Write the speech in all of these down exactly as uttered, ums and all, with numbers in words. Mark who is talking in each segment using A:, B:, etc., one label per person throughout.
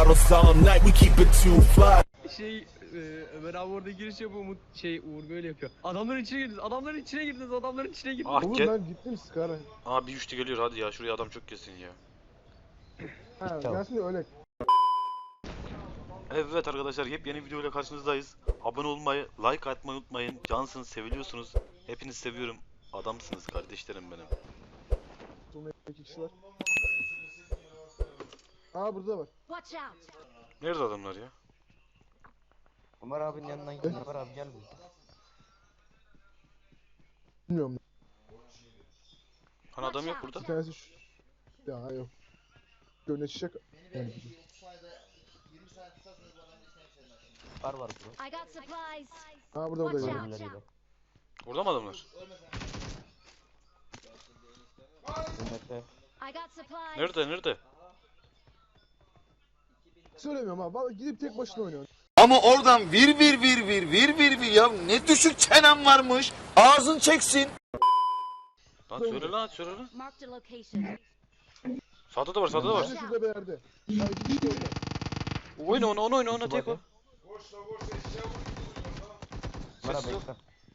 A: bottles all night, we keep it too fly.
B: Şey e, Ömer abi orada giriş yapıyor, Umut şey Uğur böyle yapıyor. Adamların içine girdiniz, adamların içine girdiniz, adamların içine girdiniz.
C: Ah
D: Oğlum
C: gel.
D: ben gittim Scar'a.
C: Aa bir üçlü geliyor hadi ya şuraya adam çok kesin ya.
D: Ha gelsin de öyle.
C: Evet arkadaşlar yepyeni videoyla karşınızdayız. Abone olmayı, like atmayı unutmayın. Cansınız, seviliyorsunuz. Hepinizi seviyorum. Adamsınız kardeşlerim benim.
D: Sonra iki kişiler. Aa burada var.
E: Watch out!
C: Nerede adamlar ya?
F: Ömer abinin yanından gidin. Ömer abi gel buraya.
D: Bilmiyorum.
C: Hani adam yok burada.
D: Bir tanesi şu. Ya yok. Gönle çiçek. Yani,
F: Var var burada.
E: I got supplies.
D: ha burada burada.
E: Watch
D: Yani.
E: out.
F: Ölümleriyle.
C: Orada mı adamlar?
F: Ömer'de.
E: I got supplies.
C: Nerede nerede?
D: Söylemiyorum ha. Vallahi gidip tek başına oynuyor.
G: Ama oradan vir vir vir vir vir vir vir ya ne düşük çenem varmış. Ağzın çeksin.
C: Lan söyle lan söyle lan.
E: Marked a location.
C: Sağda da var sağda da var.
D: Nerede şurada bir yerde. Ya iki kişi orada.
C: Oyna onu onu oyna onu tek o.
F: Ömer abi
C: Sessiz ol.
F: bekle.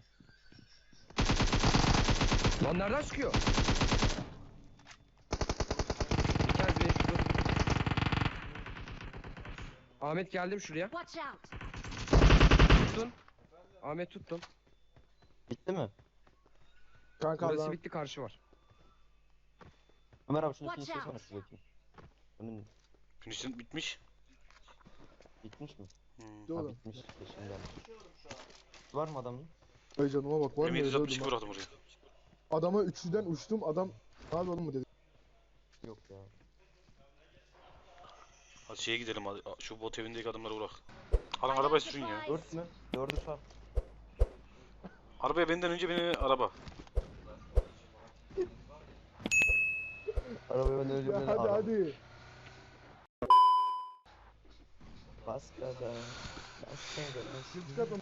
B: Lan nereden çıkıyor? Bir kez bile şurada. Ahmet geldim şuraya.
E: Watch out!
B: Tuttun. Ahmet tuttum.
F: Bitti mi?
D: Kanka
B: Burası
D: adam.
B: bitti, karşı var.
F: Ömer abi şunu
E: Watch
F: finishlesene
E: out.
F: şu bakayım. Önün
C: Finish'in bitmiş.
F: bitmiş mi?
C: Hmm.
F: Ha
D: Oğlum.
F: bitmiş. Şimdi gelmiş. Var mı adamın?
D: Ay canıma bak var mı?
C: Benim
D: öyle
C: yedi yüz altmış iki
D: öldüm
C: bıraktım oraya.
D: ha. Adama üçlüden uçtum. Adam ne yapalım mı dedi.
F: Yok ya.
C: Hadi şeye gidelim hadi. Şu bot evindeki adamları bırak. Alın arabayı sürün ya.
F: Dört mü? Dördü sar.
C: Arabaya benden önce beni araba.
F: Arabayı ben önce
D: Ya
F: beni
D: hadi
F: araba.
D: hadi.
F: Bas gaza. Bas gaza.
D: Şimdi çıkartma.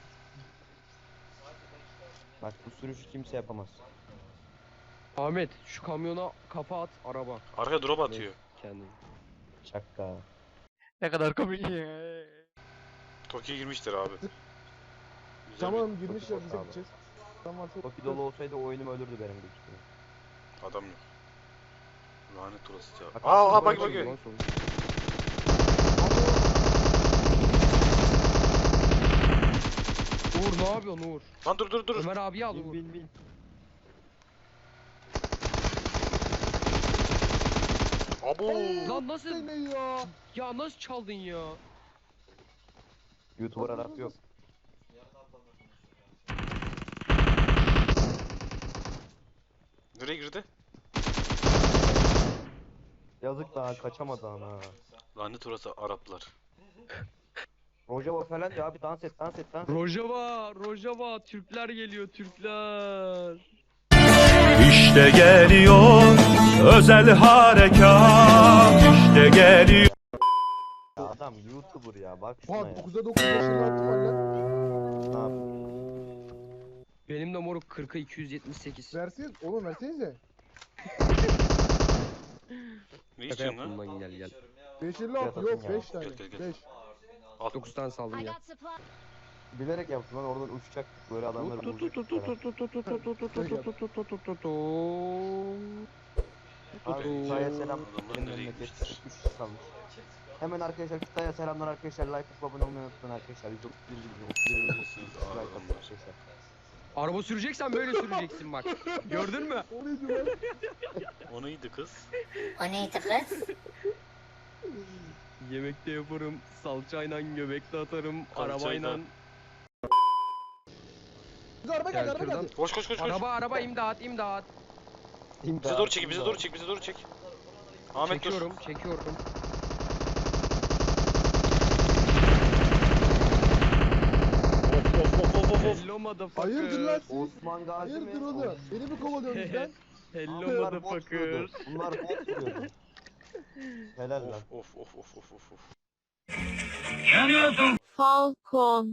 F: Bak bu sürüşü kimse yapamaz.
B: Ahmet şu kamyona kafa at, araba.
C: Arkaya drop atıyor.
B: Kendini.
F: Şaka.
B: Ne kadar komik ya.
C: Tokyo'ya girmişler abi. Güzel
D: Tamam
F: Çok
D: girmişler
F: boş
D: bize
F: abi.
D: gideceğiz. Tamam varsa.
F: Toki dolu olsaydı oyunum ölürdü benim büyük ihtimalle.
C: bir adam yok. Lanet orası ya.
F: Bak,
C: Aa aa
F: bak,
C: bak
F: bak,
C: bak.
B: Lan sonra. Uğur ne yapıyorsun Uğur?
C: Lan dur dur dur.
B: Ömer abi al
F: Bin
B: Uğur.
F: bin bin.
C: Abo.
B: Lan nasıl?
D: Ne ya?
B: Ya nasıl çaldın ya?
F: YouTuber Arap yok.
C: Nereye girdi?
F: Yazık daha kaçamadı ana.
C: Lanet orası Araplar.
F: Rojava falan diyor abi dans et dans et dans et.
B: Rojava, Rojava, Türkler geliyor, Türkler.
A: İşte geliyor özel harekat. İşte geliyor.
F: Ya adam YouTuber ya bak şuna
D: Oha
F: ya.
D: dokuzda dokuz yaşında attım var lan.
F: Ne yapayım?
B: Benim de moruk kırka iki yüz yetmiş sekiz.
D: Verseniz oğlum versenize.
C: Ne
B: Şaka
C: istiyorsun
B: yaptım
C: lan?
B: lan, gel gel.
D: beş elli altı yok
F: Ya.
D: beş tane.
C: Gel, gel, gel.
D: beş.
C: Al.
B: dokuz tane saldım
E: I
B: ya.
E: got supplies.
F: Bilerek yaptım lan oradan uçacaktık böyle adamları
B: Tut tut tut
F: vuracaktık
B: tut
F: falan.
B: tut tut tut tut tut tut tut tut tut tut tut.
F: Abi Kutay'a selam.
C: Adamlar
F: Benim
C: nereye
F: memleket
C: gitmiştir?
F: üç kişi kalmış. Hemen arkadaşlar Kutay'a selamlar arkadaşlar. Like atıp abone olmayı unutmayın arkadaşlar. yüz otuz bir bin, otuz bir bin, otuz bir bin like atın arkadaşlar.
B: Araba süreceksen böyle süreceksin bak. Gördün mü?
D: O neydi lan?
C: O neydi kız?
E: O neydi kız?
B: Yemekte yaparım, salçayla göbekte atarım,
C: Salçayla.
B: arabayla.
D: Biz araba geldi
B: Gel
D: araba
B: şuradan.
D: geldi.
C: Koş koş koş koş.
B: Araba araba imdat imdat.
C: Bize doğru çek, bize doğru çek, bize doğru çek. Ahmet dur.
B: Çekiyorum, çekiyorum.
C: Of of of of of.
B: Hello motherfucker.
D: Hayırdır lan siz?
F: Osman Gazi mi?
D: Hayırdır oğlum? Beni mi kovalıyorsunuz lan?
B: Hello
F: Bunlar bot
B: motherfucker.
F: vuruyordu. Bunlar bot vuruyordu. Helal lan.
C: Of of of of of of.
H: Falcon.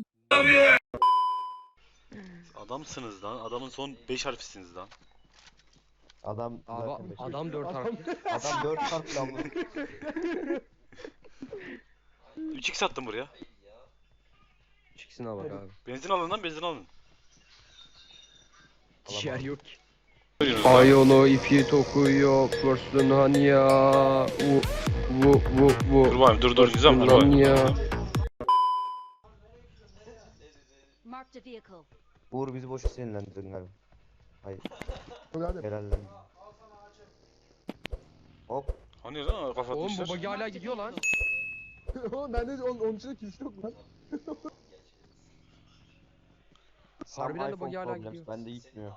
C: Adamsınız lan. Adamın son beş harfisiniz lan.
F: Adam
B: Abi
F: zaten beş.
B: adam dört
D: Adam-
B: harfli.
F: Adam dört harfli ama.
C: üç x attım buraya.
B: İkisine bak abi.
C: Benzin alın lan, benzin alın.
B: Yer yok ki.
H: Ay onu ipi tokuyor pörsün hani ya. Vu vu vu vu.
C: Dur bakayım, dur dur Nizam, dur bakayım.
H: ya.
E: Marked a vehicle.
F: Uğur bizi boşu sinirlendirdin galiba. Hayır.
D: Hadi.
F: Helallen. Hop.
C: Hani lan kafa
B: Oğlum bu
C: atmışlar.
B: bagi hala gidiyor lan.
D: Oğlum bende onun, onun içinde kimse yok lan.
B: Harbiden de
F: Some
B: bagi
F: iPhone
B: hala
F: problems,
B: gidiyor.
F: bende gitmiyor.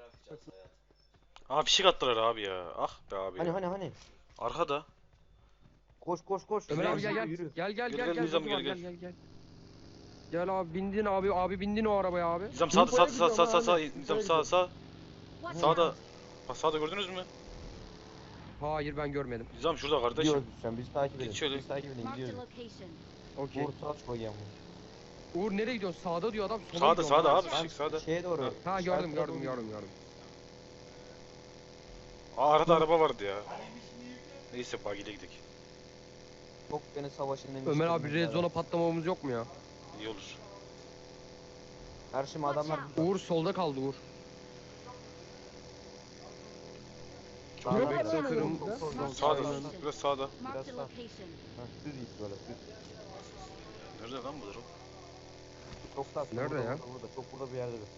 C: Aa fişek attılar abi ya. Ah be abi.
F: Hani hani hani.
C: Arkada.
F: Koş koş koş.
B: Ömer abi gel gel.
F: Yürü.
B: Gel gel
C: Gel,
B: gel
C: gel
B: gel.
C: Nizam,
B: Nizam,
C: gel,
B: gel
C: gel.
B: gel gel. Gel abi bindin abi abi bindin o arabaya abi.
C: Nizam sağda sağda sağda sağda sağda sağ.
D: Buraya
C: Nizam sağ sağ.
E: Watch
C: Sağda.
E: out.
C: Bak sağda gördünüz mü?
B: Hayır ben görmedim.
C: Nizam şurada kardeşim.
F: Gidiyoruz şu an, bizi takip edin.
C: Git şöyle.
F: Bizi takip edin,
E: Marked a
F: gidiyoruz.
E: location.
B: Okey.
F: Uğur sağ koyayım.
B: Uğur nereye gidiyorsun? Sağda diyor adam. Sola
C: Sağda
B: gidiyorum
C: sağda
B: lan.
C: abi fişek sağda.
F: Şeye doğru.
B: Ha gördüm
F: işaretlere
B: gördüm
F: doğru
B: gördüm gördüm.
C: Aa arada araba vardı ya. Neyse bagiyle gidelim.
F: Çok beni savaşın en
B: Ömer abi
F: içlerinden
B: red zone'a patlamamız yok mu ya?
C: İyi olur.
F: Her şey adamlar.
B: Uğur solda kaldı Uğur.
F: Sağda
D: Yok
F: bir-
D: adam
B: Kırım-
D: yok ya.
C: Sağda biraz sağda.
E: Marked a
F: sağ.
E: location.
F: Ha, düz git böyle düz.
C: Nerede lan bu durum?
F: Çok sağ.
B: Nerede
F: burada,
B: ya?
F: Burada, burada, çok burada bir yerde. bir.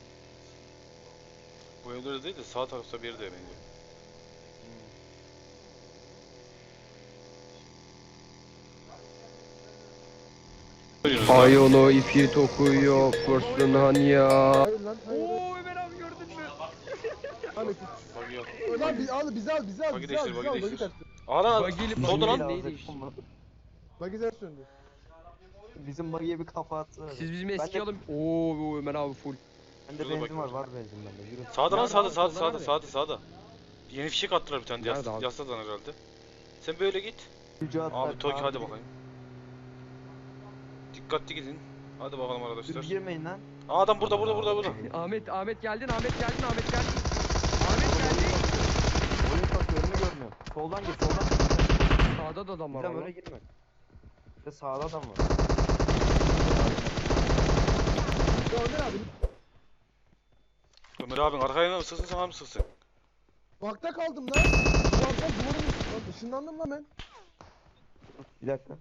C: Bu evlerde değil de sağ tarafta bir yerde bence.
H: Ay onu ipi tokuyor pörsün hani ya.
D: Hayır lan hayır.
B: Oo Ömer abi gördün mü?
D: Hani
C: Bagi yok.
D: lan biz al bizi al bizi al
C: Bagi
D: bizi al
C: değiştir,
D: bizi
C: bagi
D: al bagi
C: değiştir.
D: tersi.
C: Aa lan
B: Bagiyle
C: solda
B: bagiyle
C: lan.
B: neyi değişti?
D: Bagi ters döndü.
F: Bizim bagiye bir kafa atsana.
B: Siz bizim
F: Ben de-
B: eski alın. Oo Ömer abi full.
F: Bende
C: Şurada
F: benzin var,
C: bakıyorum.
F: var benzin bende. Yürü.
C: Sağda lan
B: Nerede
C: sağda
B: abi?
C: sağda
B: Solda
C: sağda
B: nerede?
C: sağda sağda. Yeni fişek attılar bir tane yas,
B: Nerede abi?
C: yasadan herhalde. Sen böyle git.
F: Mücadele
C: Abi Tokyo hadi
F: abi.
C: bakayım. Dikkatli gidin. Hadi bakalım
F: Dur
C: arkadaşlar.
F: girmeyin lan.
C: Aa adam burada burada burada burada.
B: Ahmet Ahmet geldin Ahmet geldin Ahmet geldin. Ahmet geldi.
F: Oyun takıyor, önünü görmüyorum. Soldan gir, soldan gir.
B: Sağda da adam var.
F: Bizden
B: lan.
F: öyle girme. İşte sağda adam var.
D: Ya Ömer abi
C: Ömer abin arkaya mı sıksın sana mı sıksın?
D: bakta kaldım lan. Duvardan duvarın üstü lan ışınlandım lan ben.
F: Bir dakika.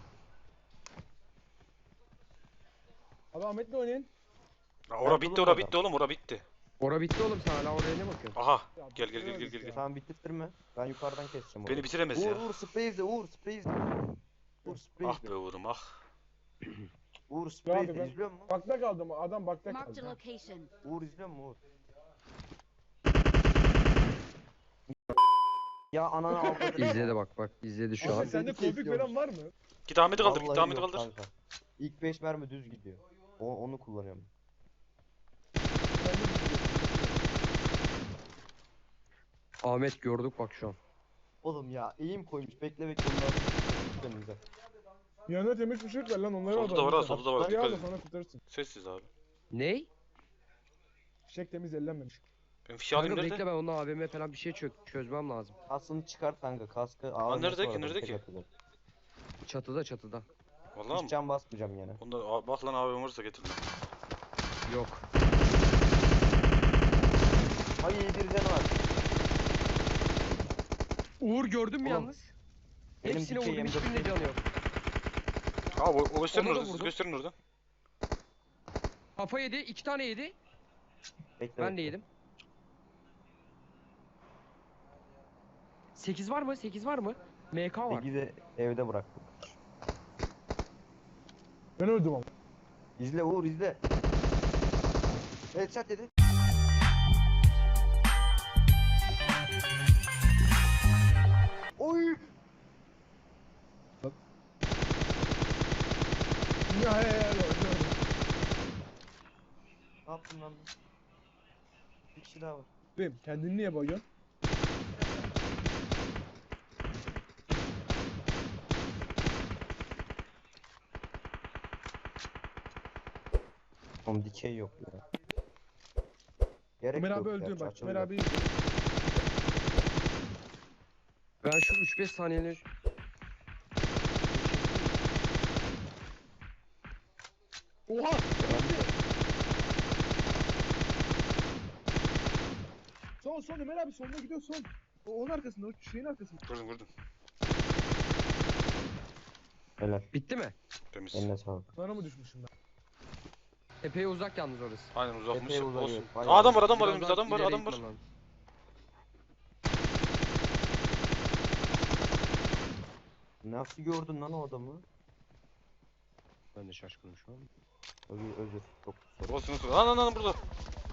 D: Abi Ahmet'le oynayın.
C: Aa, ora bitti ora bitti oğlum ora bitti.
B: Ora bitti oğlum sen hala oraya ne bakıyorsun?
C: Aha gel gel gel gel gel. gel.
F: Tamam bitirtme. Ben yukarıdan keseceğim
C: Beni
F: orayı.
C: bitiremez
F: Uğur
C: ya.
F: Uğur sprey izle Uğur sprey izle. Uğur sprey
C: Ah
F: izle.
C: be Uğur'um ah.
F: Uğur sprey
D: abi
F: izle.
D: ben-
F: İzliyor musun?
D: Bakta kaldım adam bakta
E: Marked a
D: kaldı.
E: location.
F: Uğur izliyor musun Uğur? Ya ananı avradını.
B: İzledi bak bak izledi şu
D: Abi
B: an.
D: sende konfig falan var mı?
C: Git Ahmet'i kaldır git
F: Vallahi
C: Ahmet'i
F: yok
C: kaldır.
F: kanka. İlk beş mermi düz gidiyor. O, onu kullanıyorum.
B: Ahmet gördük bak şu an.
F: Oğlum ya eğim koymuş. Bekle bekle onları önümüze.
D: Yanına temiz bir şey ver lan onları
C: Solda da var ha, solda da var,
D: Bagi
C: dikkat
D: al da
C: edin.
D: sana kurtarırsın.
C: Sessiz abi.
B: Ney?
D: Fişek temiz ellenmemiş.
C: Ben fişeği alayım
B: Kanka
C: nerede?
B: bekle ben onunla A V M falan bir şey çök çözmem lazım.
F: Kaskını çıkart kanka. Kaskı ağır.
C: nerede ki, nerede ki?
B: Çatıda çatıda.
C: Vallahi
F: Hiç
C: mı?
F: can basmayacağım yani.
C: Onda Aa, bak lan abi varsa getir lan.
B: Yok.
F: Hayır bir canı var.
B: Uğur gördün mü
F: Oğlum,
B: yalnız?
F: benim
B: Hepsine
F: dikey
B: vurdum
F: M dört
B: hiçbirinde canı yok.
C: Aa o, o gösterin
B: Ona da
C: orada siz
B: vurdum.
C: gösterin orada.
B: Kafa yedi iki tane yedi.
F: Bekle,
B: Ben de
F: bekle.
B: yedim. sekiz var mı? sekiz var mı? M K var.
F: Peki de evde bıraktım.
D: Ben öldüm ama.
F: İzle Uğur izle. Headshot dedi. Oy.
D: Ya he he he.
F: Ne yaptın lan? Bir kişi daha var.
D: Benim kendini niye bayıyorsun?
F: Oğlum dikey yok ya. Gerek
D: Ömer
F: yok
D: abi
F: ya,
D: öldü bak.
F: açılıyor.
D: Ömer abi izle.
B: Ben şu üç beş saniyelik
D: Oha! Son son Ömer abi sonuna gidiyor son. O onun arkasında, o şeyin arkasında.
C: Vurdum vurdum.
F: Helal.
H: Bitti mi?
C: Temiz.
F: Eline sağlık.
D: Bana mı düşmüşüm ben?
H: Epey uzak yalnız orası.
C: Aynen uzakmış.
F: Epey uzak,
C: Olsun.
F: evet,
C: Aa,
F: bayağı
C: adam var adam var
H: Biraz
C: önümüzde
H: daha
C: adam var
H: ileri
C: adam var.
H: gitmem lazım.
F: Nasıl gördün lan o adamı?
H: Ben de şaşkınım şu an.
F: Özür özür. Çok sorry.
C: Olsun olsun. Lan lan lan burada.